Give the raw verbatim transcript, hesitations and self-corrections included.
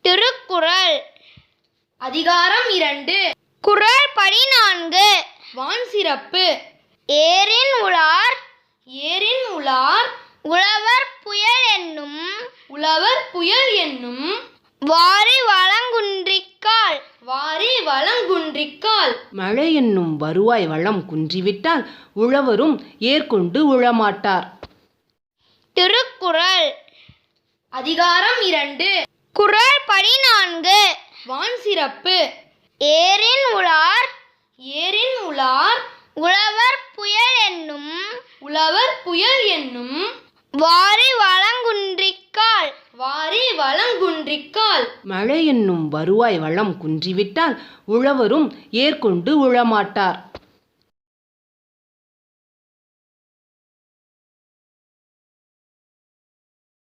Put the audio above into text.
திருக்குறள் அதிகாரம் இரண்டு. குறள் பதினான்கு. வான் சிறப்பு. ஏரின் உளார் ஏரின் உளார் உழவர் புயல் என்னும் உழவர் புயல் என்னும் வாரி வளங்குன்றிக்கால் வாரி வளங்குன்றிக்கால் மழை என்னும் வருவாய் வளம் குன்றிவிட்டால் உழவரும் ஏற்கொண்டு உழமாட்டார். திருக்குறள் அதிகாரம் இரண்டு. குறள் பதினான்கு. வான் சிறப்பு. ஏரின் உளார் ஏரின் உளார் உழவர் புயல் என்னும் உழவர் புயல் என்னும் வாரி வளங்குன்றிக்கால் வாரி வளங்குன்றிக்கால் மழை என்னும் வருவாய் வளம் குன்றிவிட்டால் உழவரும் ஏற்கொண்டு உழமாட்டார்.